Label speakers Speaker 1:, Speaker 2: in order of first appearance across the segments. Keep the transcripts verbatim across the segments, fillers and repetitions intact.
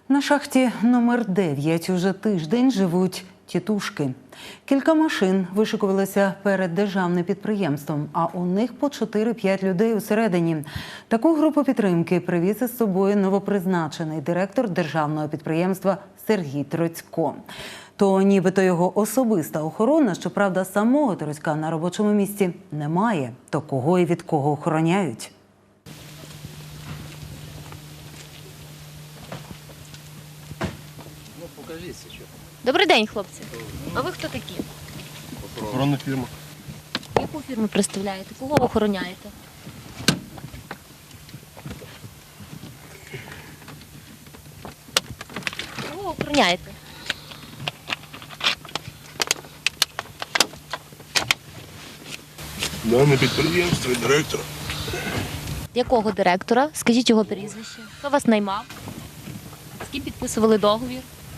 Speaker 1: На шахті номер дев'ять уже тиждень живуть тітушки. Кілька машин вишикувалися перед державним підприємством, а у них по чотири-п'ять людей усередині. Таку групу підтримки привіз із собою новопризначений директор державного підприємства Сергій Троцько. То нібито його особиста охорона, щоправда, самого Троцька на робочому місці немає. То кого і від кого охороняють?
Speaker 2: Добрий день, хлопці. А ви хто такі?
Speaker 3: Охоронна фірма.
Speaker 2: Яку фірму представляєте? Кого охороняєте? Кого охороняєте?
Speaker 3: Дане підприємство і директор.
Speaker 2: Якого директора? Скажіть його прізвище. Хто вас наймав? З ким підписували договір?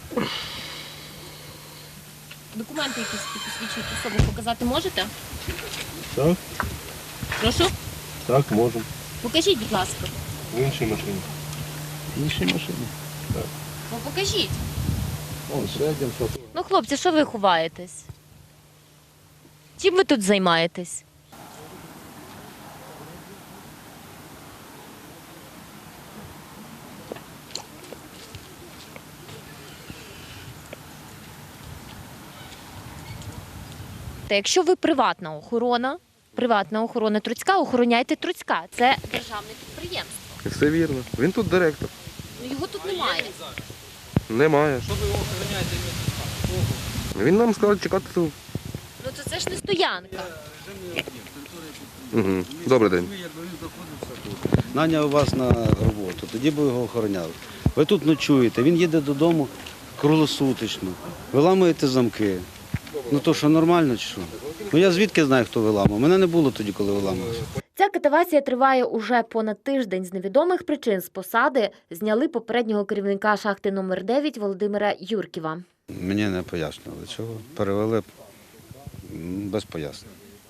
Speaker 2: Документи якісь які посвідчують особу показати можете?
Speaker 3: Так,
Speaker 2: Прошу?
Speaker 3: так, можемо.
Speaker 2: Покажіть, будь ласка.
Speaker 3: В іншій машині.
Speaker 4: В іншій машині.
Speaker 2: Ну, покажіть.
Speaker 4: Вон, середньо, що тут.
Speaker 2: Ну, хлопці, що ви ховаєтесь? Чим ви тут займаєтесь? Та якщо ви приватна охорона, приватна охорона Троцька, охороняйте Троцька. Це державне підприємство.
Speaker 5: Все вірно. Він тут директор.
Speaker 2: Ну, його тут немає.
Speaker 5: Немає. Що ви його охороняєте? Він нам сказав чекати тут.
Speaker 2: Ну, то це ж не стоянка.
Speaker 5: Угу. Добрий день.
Speaker 4: Наняв вас на роботу, тоді б ви його охороняли. Ви тут ночуєте, він їде додому круглосуточно. Ви ламуєте замки. Ну то що, нормально чи що? Ну я звідки знаю, хто виламав? Мене не було тоді, коли виламався.
Speaker 2: Ця катавасія триває уже понад тиждень. З невідомих причин з посади зняли попереднього керівника шахти номер дев'ять Володимира Юрківа.
Speaker 4: Мені не пояснювали чого. Перевели м, без пояснень.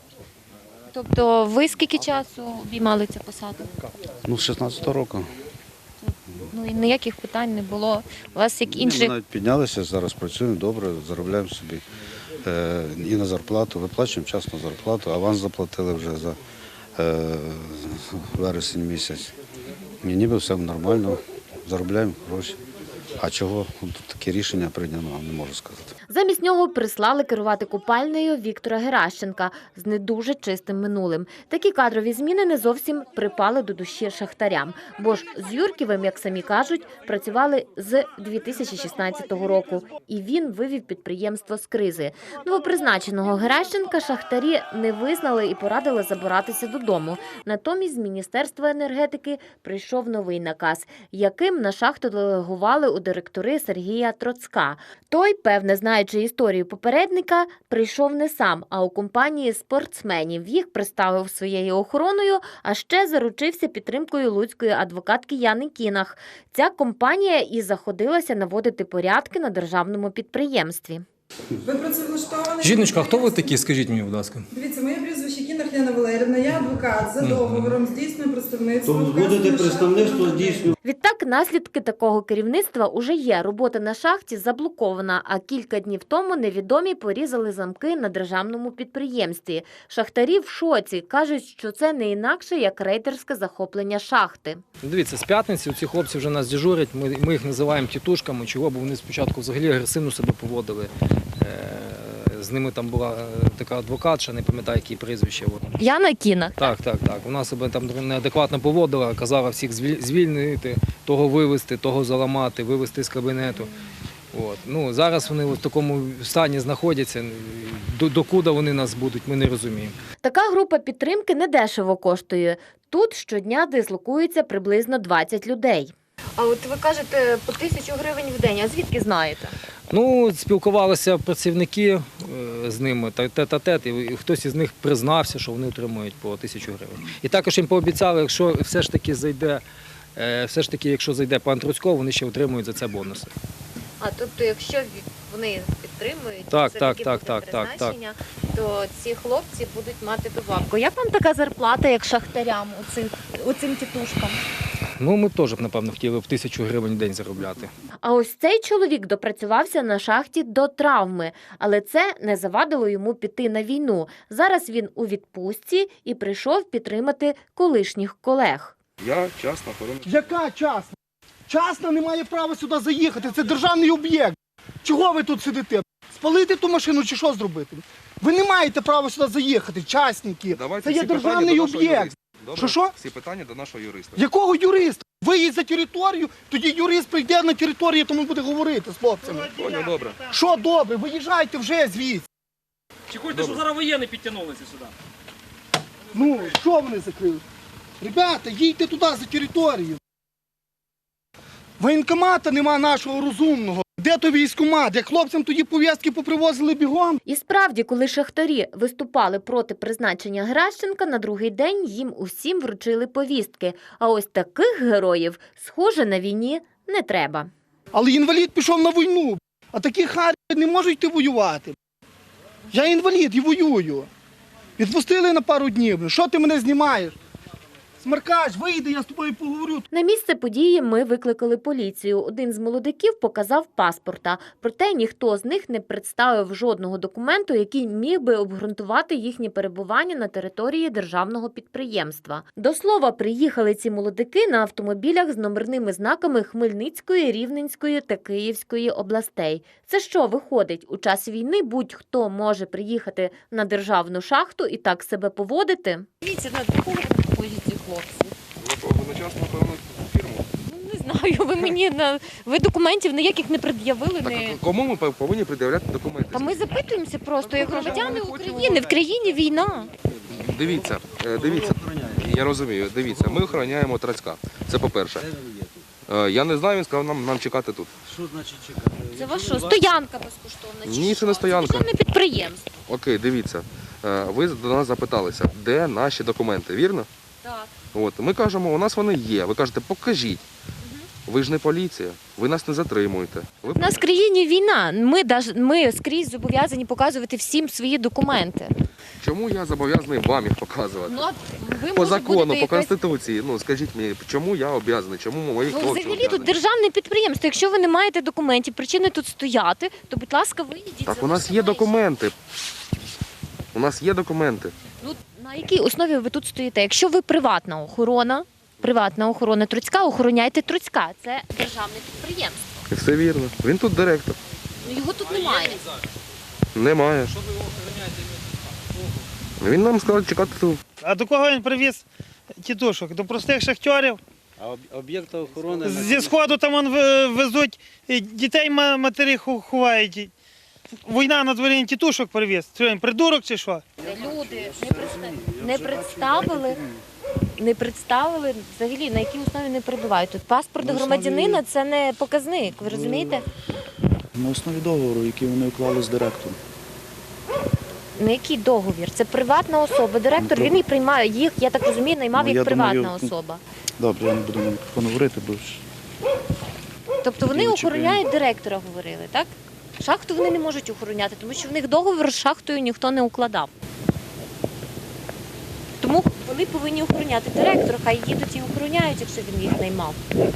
Speaker 2: Тобто ви скільки часу обіймали цю посаду?
Speaker 4: Ну, з шістнадцятого року.
Speaker 2: Ну і ніяких питань не було. У вас як
Speaker 4: Ми
Speaker 2: інших.
Speaker 4: навіть піднялися, зараз працюємо добре, заробляємо собі е, і на зарплату, виплачуємо вчасно зарплату, аванс заплатили вже за е, вересень місяць. І ніби все нормально, заробляємо гроші. А чого тут таке рішення прийнято, не можу сказати.
Speaker 2: Замість нього прислали керувати купальнею Віктора Геращенка з не дуже чистим минулим. Такі кадрові зміни не зовсім припали до душі шахтарям. Бо ж з Юрківим, як самі кажуть, працювали з дві тисячі шістнадцятого року. І він вивів підприємство з кризи. Новопризначеного Геращенка шахтарі не визнали і порадили забиратися додому. Натомість з Міністерства енергетики прийшов новий наказ, яким на шахту делегували у директори Сергія Троцька. Той, певне, знаючи історію попередника, прийшов не сам, а у компанії спортсменів. Їх представив своєю охороною, а ще заручився підтримкою луцької адвокатки Яни Кінах. Ця компанія і заходилася наводити порядки на державному підприємстві.
Speaker 6: Ви працевлаштовані?
Speaker 7: Жіночка, а хто ви такі? Скажіть мені, будь ласка.
Speaker 6: Дивіться, моє прізвище Кінах Яна Валерівна, я адвокат за договором, здійснюю представництво.
Speaker 4: То
Speaker 6: в
Speaker 4: будете
Speaker 6: вказаних
Speaker 4: представництво
Speaker 6: шахтах.
Speaker 4: здійснювати.
Speaker 2: Відтак, наслідки такого керівництва уже є. Робота на шахті заблокована, а кілька днів тому невідомі порізали замки на державному підприємстві. Шахтарі в шоці. Кажуть, що це не інакше, як рейдерське захоплення шахти.
Speaker 7: Дивіться, з п'ятниці ці хлопці вже нас дежурять, ми, ми їх називаємо тітушками, чого, бо вони спочатку взагалі агресивно себе поводили. Е, З ними там була е, така адвокатша, не пам'ятаю, які прізвище. От.
Speaker 2: Яна Кінах.
Speaker 7: Так, так, так. Вона себе там неадекватно поводила, казала всіх звіль- звільнити, того вивезти, того заламати, вивезти з кабінету. От. Ну, зараз вони в такому стані знаходяться. До, докуди вони нас будуть, ми не розуміємо.
Speaker 2: Така група підтримки недешево коштує. Тут щодня дислокується приблизно двадцять людей. А от ви кажете, по тисячу гривень в день. А звідки знаєте?
Speaker 7: Ну, спілкувалися працівники е, з ними, та- тет-а-тет, і хтось із них признався, що вони отримують по тисячу гривень. І також їм пообіцяли, якщо все ж таки зайде, е, все ж таки, якщо зайде пан Троцько, вони ще отримують за це бонуси.
Speaker 2: А тобто, якщо вони підтримують
Speaker 7: Так,
Speaker 2: це
Speaker 7: так,
Speaker 2: таке
Speaker 7: так,
Speaker 2: буде
Speaker 7: так, так,
Speaker 2: призначення, то ці хлопці будуть мати добавку. Як вам така зарплата, як шахтарям, оцим, оцим тітушкам?
Speaker 7: Ну, ми б теж, напевно, хотіли б тисячу гривень в день заробляти.
Speaker 2: А ось цей чоловік допрацювався на шахті до травми, але це не завадило йому піти на війну. Зараз він у відпустці і прийшов підтримати колишніх колег.
Speaker 5: Я частна охорона.
Speaker 8: Яка частна? Частна не має права сюди заїхати, це державний об'єкт. Чого ви тут сидите? Спалити ту машину чи що зробити? Ви не маєте права сюди заїхати, частники.
Speaker 5: Давайте
Speaker 8: Це є
Speaker 5: всі питання
Speaker 8: державний
Speaker 5: до нашого
Speaker 8: об'єкт.
Speaker 5: юриста. Добре?
Speaker 8: Що, що?
Speaker 5: Всі питання до нашого юриста.
Speaker 8: Якого юриста? Виїдь за територію, тоді юрист прийде на територію, тому буде говорити з хлопцями.
Speaker 5: Поняв, добре.
Speaker 8: Що добре, виїжджайте вже звідси.
Speaker 9: Чекайте, що зараз воєнні підтягнулися сюди.
Speaker 8: Ну, що вони закрили? Ребята, їдьте туди за територію. Воєнкомата нема нашого розумного. Де то військкомат? Як хлопцям тоді пов'язки попривозили бігом?
Speaker 2: І справді, коли шахтарі виступали проти призначення Геращенка, на другий день їм усім вручили повістки. А ось таких героїв, схоже, на війні не треба.
Speaker 8: Але інвалід пішов на війну, а такі харі не можуть йти воювати. Я інвалід і воюю. Відпустили на пару днів. Що ти мене знімаєш? Смеркач, вийди, я з тобою поговорю.
Speaker 2: На місце події ми викликали поліцію. Один з молодиків показав паспорта. Проте ніхто з них не представив жодного документу, який міг би обґрунтувати їхнє перебування на території державного підприємства. До слова, приїхали ці молодики на автомобілях з номерними знаками Хмельницької, Рівненської та Київської областей. Це що, виходить, у час війни будь-хто може приїхати на державну шахту і так себе поводити?
Speaker 10: Дивіться, на до кого ходять ці хлопці?
Speaker 5: Ви на частну охорону фірму.
Speaker 10: Ну, не знаю, ви мені на ви документів ніяких не пред'явили.
Speaker 5: Так,
Speaker 10: Не...
Speaker 5: кому ми повинні пред'являти документи?
Speaker 10: Та ми запитуємося просто, як громадяни
Speaker 5: ми хочемо-
Speaker 10: України. В країні війна.
Speaker 5: Дивіться, е, дивіться, я розумію, дивіться, ми охороняємо Трацька. Це по-перше. Е, Я не знаю, він сказав нам, нам чекати тут.
Speaker 10: Це ваша стоянка безкоштовна. чи
Speaker 5: Ні, це
Speaker 10: що?
Speaker 5: не стоянка.
Speaker 10: Це державне підприємство.
Speaker 5: Окей, дивіться, е, ви до нас запиталися, де наші документи, вірно?
Speaker 10: Так.
Speaker 5: От, ми кажемо, у нас вони є. Ви кажете, покажіть. Ви ж не поліція, ви нас не затримуєте. Ви...
Speaker 10: У нас в країні війна. Ми, даж- ми скрізь зобов'язані показувати всім свої документи.
Speaker 5: Чому я зобов'язаний вам їх показувати?
Speaker 10: Ну, а ви
Speaker 5: По
Speaker 10: може
Speaker 5: закону,
Speaker 10: будете
Speaker 5: по
Speaker 10: якась-
Speaker 5: Конституції. Ну, скажіть мені, чому я обов'язаний, чому мої
Speaker 10: Ну,
Speaker 5: хлопці
Speaker 10: взагалі тут
Speaker 5: обов'язані?
Speaker 10: державне підприємство. Якщо ви не маєте документів, причини тут стояти, то, будь ласка, виїдіть.
Speaker 5: Так у нас
Speaker 10: залиште
Speaker 5: є
Speaker 10: майже.
Speaker 5: документи. У нас є документи.
Speaker 10: Ну, на якій основі ви тут стоїте? Якщо ви приватна охорона, приватна охорона Труцька, охороняйте Труцька. Це державне підприємство.
Speaker 5: І все вірно. Він тут директор.
Speaker 10: Ну, його тут немає.
Speaker 5: Немає. Він нам сказав чекати тут.
Speaker 11: А до кого він привіз тітушок? До простих шахтарів?
Speaker 4: А об'єкти охорони
Speaker 11: Зі сходу там он в- везуть, і дітей ма- матері ху- ховають. Війна на дворі він тітушок привіз. Що він, придурок чи що?
Speaker 10: Люди не, представ... не представили, не представили взагалі, на якій основі не перебувають. Тут паспорт громадянина – це не показник, ви розумієте?
Speaker 12: На основі договору, який вони уклали з директором.
Speaker 10: На який договір? Це приватна особа. Директор, він і приймає їх, я так розумію, наймав
Speaker 12: Ну, я
Speaker 10: як приватна
Speaker 12: думаю,
Speaker 10: особа.
Speaker 12: Добре, я не буду на мікрофон говорити, бо ж
Speaker 10: Тобто вони
Speaker 12: Ключики.
Speaker 10: охороняють директора, говорили, так? Шахту вони не можуть охороняти, тому що в них договір з шахтою ніхто не укладав. Тому вони повинні охороняти директора, хай їдуть і охороняють, якщо він їх наймав.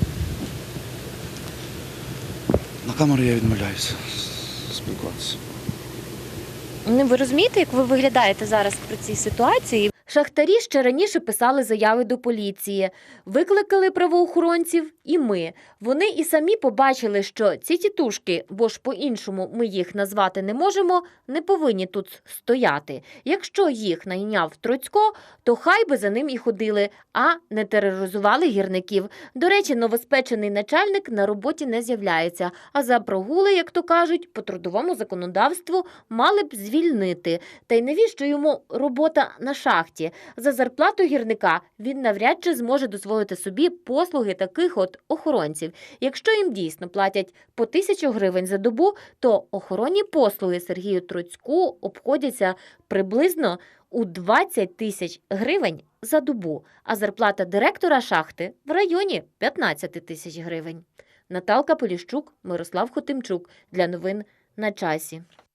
Speaker 12: на камеру я відмовляюся спілкуватися.
Speaker 10: Ну, ви розумієте, як ви виглядаєте зараз при цій ситуації?
Speaker 2: Шахтарі ще раніше писали заяви до поліції. Викликали правоохоронців і ми. Вони і самі побачили, що ці тітушки, бо ж по-іншому ми їх назвати не можемо, не повинні тут стояти. Якщо їх найняв Троцько, то хай би за ним і ходили, а не тероризували гірників. До речі, новоспечений начальник на роботі не з'являється, а за прогули, як то кажуть, по трудовому законодавству мали б звільнити. Та й навіщо йому робота на шахті? За зарплату гірника він навряд чи зможе дозволити собі послуги таких от охоронців. Якщо їм дійсно платять по тисячу гривень за добу, то охоронні послуги Сергію Троцьку обходяться приблизно у двадцять тисяч гривень за добу, а зарплата директора шахти в районі п'ятнадцять тисяч гривень. Наталка Поліщук, Мирослав Хотимчук. Для новин на часі.